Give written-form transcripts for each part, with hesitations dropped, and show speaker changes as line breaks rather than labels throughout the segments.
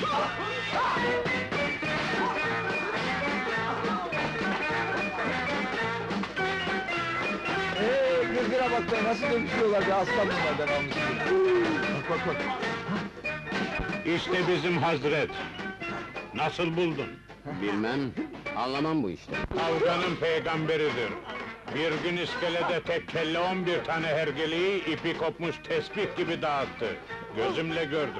Gırgıra bak be, nasıl dövüşüyorlar be, aslan bunlardan almış. Bak bak bak.
İşte bizim Hazret! Nasıl buldun?
Bilmem, anlamam bu işte.
Kavganın peygamberidir. Bir gün iskelede tek kelle 11 tane hergeleyi ipi kopmuş tesbih gibi dağıttı. Gözümle gördüm.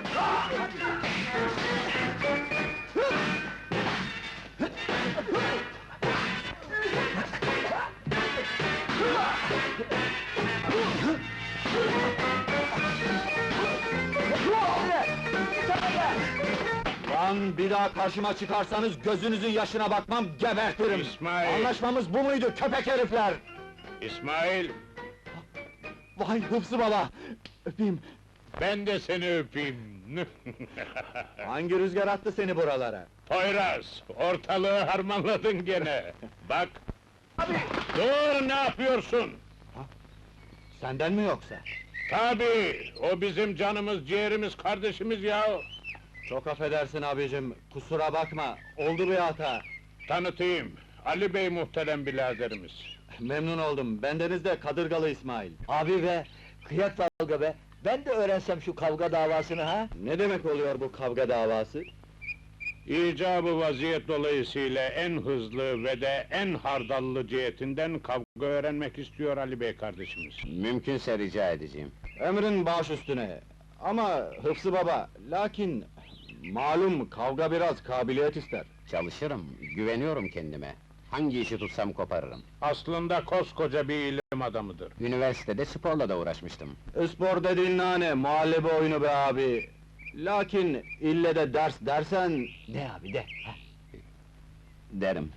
Lan bir daha karşıma çıkarsanız gözünüzün yaşına bakmam, gebertirim!
İsmail!
Anlaşmamız bu muydu köpek herifler?
İsmail,
Vay Hıfzı baba! Öpeyim!
ben de seni öpeyim.
Hangi rüzgar attı seni buralara?
Poyraz, ortalığı harmanladın gene. Bak! Dur, ne yapıyorsun?
Senden mi yoksa?
Tabii, o bizim canımız, ciğerimiz, kardeşimiz ya!
Çok affedersin abicim, kusura bakma, oldu bir hata.
Tanıtayım, Ali Bey muhterem biraderimiz.
Memnun oldum, bendeniz de Kadırgalı İsmail.
Abi be, kıyak kavga be! Ben de öğrensem şu kavga davasını ha?
Ne demek oluyor bu kavga davası?
İcabı vaziyet dolayısıyla en hızlı ve de en hardallı cihetinden kavga öğrenmek istiyor Ali Bey kardeşimiz.
Mümkünse rica edeceğim.
Emrin baş üstüne. Ama Hıfzı baba, lakin... Malum kavga biraz kabiliyet ister.
Çalışırım, güveniyorum kendime. Hangi işi tutsam koparırım.
Aslında koskoca bir ilim adamıdır.
Üniversitede sporla da uğraşmıştım.
Spor dediğin nane, muhallebi oyunu be abi. Lakin ille de ders dersen...
Ne abi de? Ha?
Derim.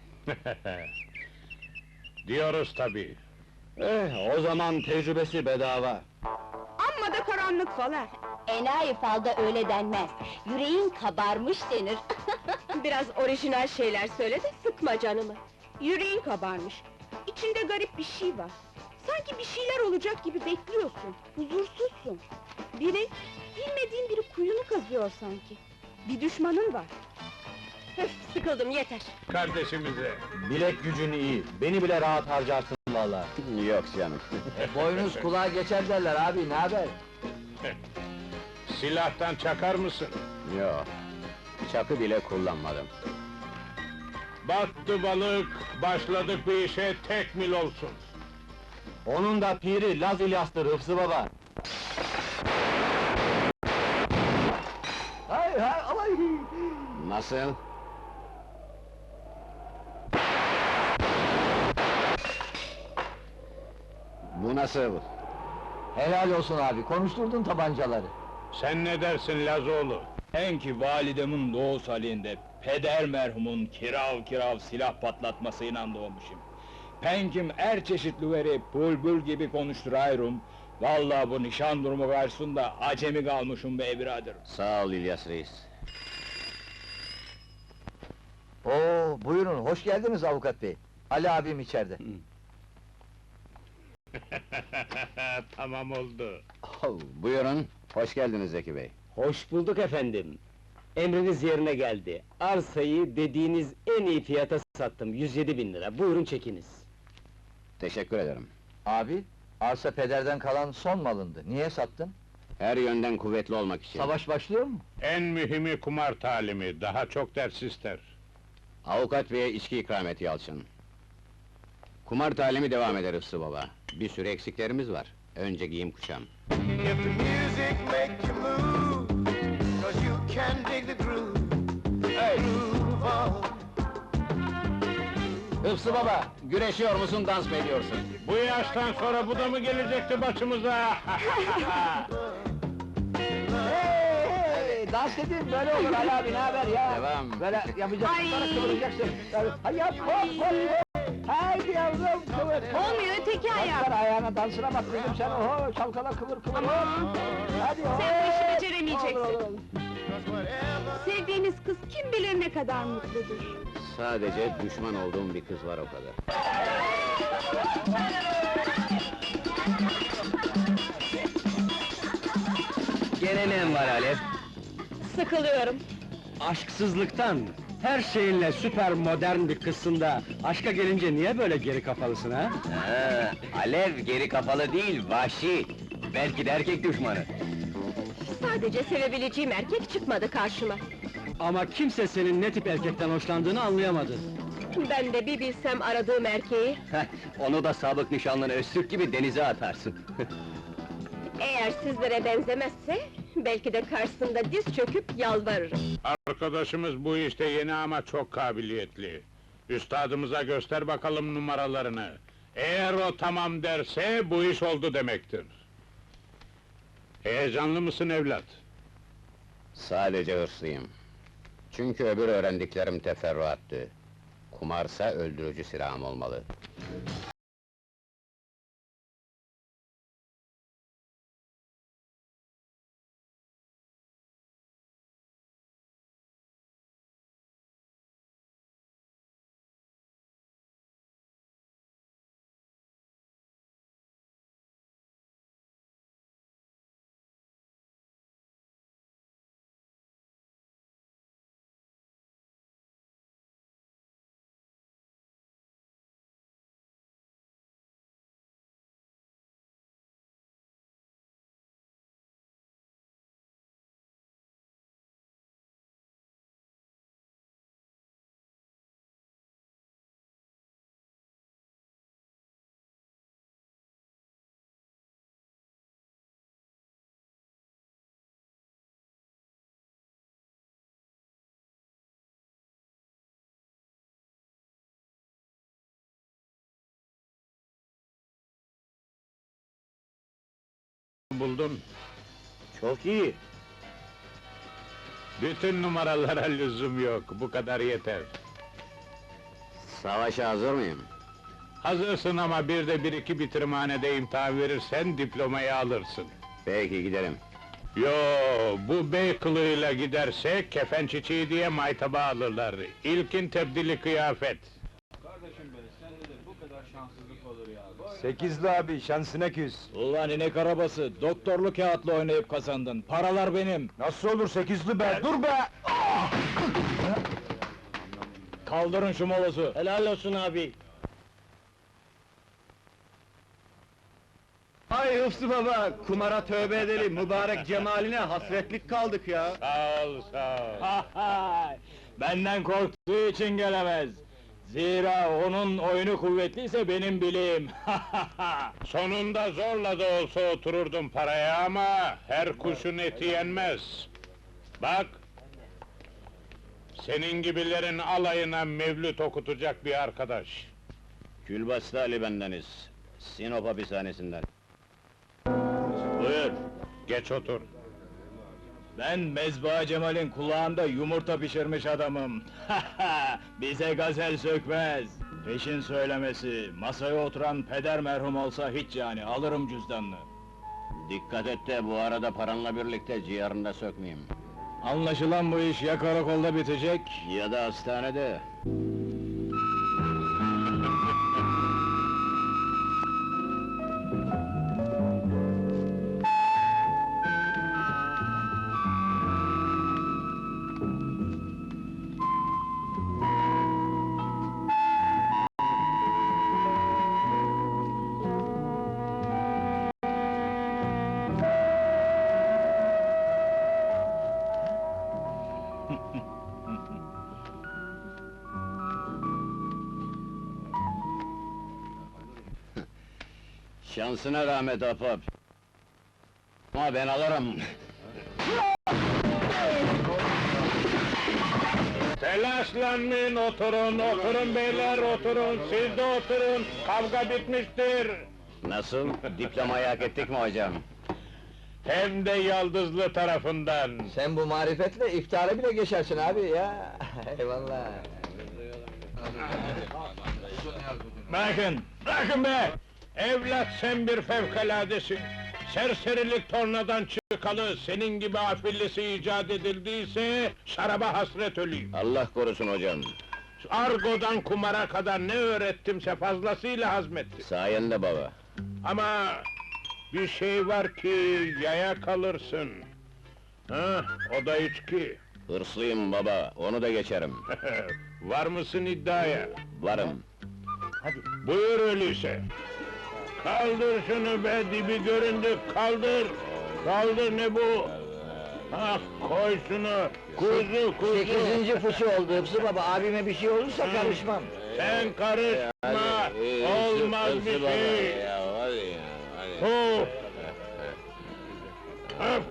Diyoruz tabii.
O zaman tecrübesi bedava.
Amma da karanlık falan.
Enayi falda öyle denmez. Yüreğin kabarmış denir.
Biraz orijinal şeyler söyle de sıkma canımı. Yüreğin kabarmış. İçinde garip bir şey var. Sanki bir şeyler olacak gibi bekliyorsun. Huzursuzsun. Bilmediğin biri kuyunu kazıyor sanki. Bir düşmanın var. Öf, sıkıldım yeter.
Kardeşimize.
Bilek gücün iyi, beni bile rahat harcarsın vallahi.
Yok canım.
Boynuz kulağa geçer derler abi, ne haber?
Silahtan çakar mısın?
Yok. Çakı bile kullanmadım.
Battı balık, başladık bir işe tek mil olsun.
Onun da piri Laz İlyas'tır Hıfzı baba.
Hay hay alay!
Nasıl? Bu nasıl?
Helal olsun abi, konuşturdun tabancaları.
Sen ne dersin Lazoğlu?
En ki validemin doğu salinde, peder merhumun kirav kirav silah patlatmasıyla doğmuşum. Penkim er çeşitli veri bulbul gibi konuşturayrum. Vallahi bu nişan durumu karşısında acemi kalmışım be birader.
Sağ ol İlyas Reis.
Oo, buyurun, hoş geldiniz avukat bey. Ali abim içeride.
Tamam oldu.
Oh, buyurun, hoş geldiniz Zeki Bey.
Hoş bulduk efendim. Emriniz yerine geldi. Arsayı dediğiniz en iyi fiyata sattım, 107.000 lira. Buyurun çekiniz.
Teşekkür ederim.
Abi, arsa pederden kalan son malındı. Niye sattın?
Her yönden kuvvetli olmak için.
Savaş başlıyor mu?
En mühimi kumar talimi, daha çok ders ister.
Avukat beye içki ikram et Yalçın. Kumar talimi devam eder Hıfzı baba. Bir sürü eksiklerimiz var. Önce giyim kuşam.
If the music make you move, 'cause you can dig the groove, groove on.
Hıfzı baba, güreşiyor musun, dans mı ediyorsun?
Bu yaştan sonra bu da mı gelecekti başımıza?
Hey, dans edin, böyle olur Ali abi, ne haber ya?
Devam.
Böyle yapacaksın,
Ay!
sonra kıvıracaksın. Hay yap, hop hop hop! Haydi yavrum, kıvır!
Olmuyor, öteki ayağı.
Bak ayağına, dansına bak kızım sen, oho! Çalkala, kıvır kıvır, hop! Hadi hop!
Sen bu işi beceremeyeceksin.
Olur, olur.
Sevdiğiniz kız kim bilir ne kadar mutludur.
Sadece düşman olduğum bir kız var, o kadar.
Gene ne var Alev?
sıkılıyorum.
Aşksızlıktan, her şeyinle süper modern bir kızsın da, aşka gelince niye böyle geri kafalısın ha?
Alev geri kapalı değil, vahşi. Belki de erkek düşmanı.
Sadece sevebileceğim erkek çıkmadı karşıma.
Ama kimse senin ne tip erkekten hoşlandığını anlayamadı.
Ben de bir bilsem aradığım erkeği,
Onu da sabık nişanlın Öztürk gibi denize atarsın.
eğer sizlere benzemezse, belki de karşısında diz çöküp yalvarırım.
Arkadaşımız bu işte yeni ama çok kabiliyetli. Üstadımıza göster bakalım numaralarını. Eğer o tamam derse, bu iş oldu demektir. Heyecanlı mısın evlat?
Sadece hırslıyım. Çünkü öbür öğrendiklerim teferruattı. Kumarsa öldürücü silahım olmalı.
Buldun.
Çok iyi.
Bütün numaralara lüzum yok, bu kadar yeter.
Savaşa hazır mıyım?
Hazırsın ama bir de bir iki bitirmanede imtihan verirsen diplomayı alırsın.
Peki gidelim.
Yo, bu bey kılığıyla giderse kefen çiçeği diye maytaba alırlar. İlkin tebdili kıyafet.
Kardeşim be, sende de bu kadar şanssızlık olur ya.
Sekizli abi, şansına küs.
Ulan inek arabası, doktorlu kağıtla oynayıp kazandın. Paralar benim.
Nasıl olur sekizli be, dur be!
Kaldırın şu molozu.
Helal olsun abi.
Ay Hıfzı baba, kumara tövbe edelim, mübarek cemaline hasretlik kaldık ya.
Sağ ol, sağ ol.
Benden korktuğu için gelemez. Zira onun oyunu kuvvetliyse benim bileğim.
Sonunda zorla da olsa otururdum paraya ama her kuşun eti yenmez. Bak, senin gibilerin alayına mevlüt okutacak bir arkadaş.
Külbastı Ali bendeniz. Sinop hapishanesinden.
Buyur, geç otur.
Ben Mezba Cemal'in kulağında yumurta pişirmiş adamım. Bize gazel sökmez. Peşin söylemesi, masaya oturan peder merhum olsa hiç yani, alırım cüzdanını.
Dikkat et de bu arada paranla birlikte ciğerini de sökmeyeyim.
Anlaşılan bu iş ya karakolda bitecek,
Ya da hastanede. Şansına rahmet ahbap. Ama ben alırım.
Telaşlanmayın, oturun, oturun beyler, oturun, siz de oturun, kavga bitmiştir.
Nasıl? Diplomayı hak ettik mi hocam?
Hem de yaldızlı tarafından.
Sen bu marifetle iftara bile geçersin abi ya. Eyvallah.
Bırakın be! Evlat sen bir fevkaladesin. Serserilik tornadan çıkalı, senin gibi afillisi icat edildiyse, şaraba hasret öleyim.
Allah korusun hocam.
Argodan kumara kadar ne öğrettimse fazlasıyla hazmettim.
Sayende baba.
Ama bir şey var ki yaya kalırsın. Ha, o da içki.
Hırslıyım baba, onu da geçerim.
Var mısın iddiaya?
Varım.
Hadi.
Buyur öyleyse. Kaldır şunu be, dibi göründü, kaldır! Kaldır, ne bu? Ah, koy şunu! Kuzu!
8. fıçı oldu Hıfzı baba, abime bir şey olursa karışmam.
Sen karışma! Olmaz bir şey! Hu! Öp!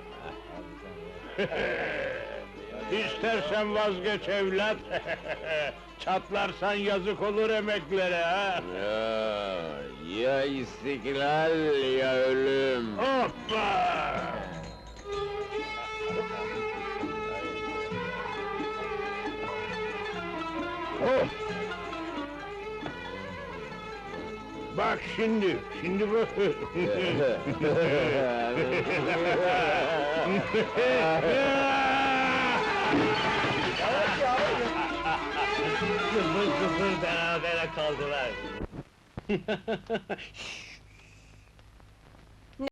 İstersen vazgeç evlat! Çatlarsan yazık olur emeklere ha!
Ya istiklal ya ölüm.
Hoppa! Oh! Bak şimdi bak!
Kıvır kıvır beraber kaldılar.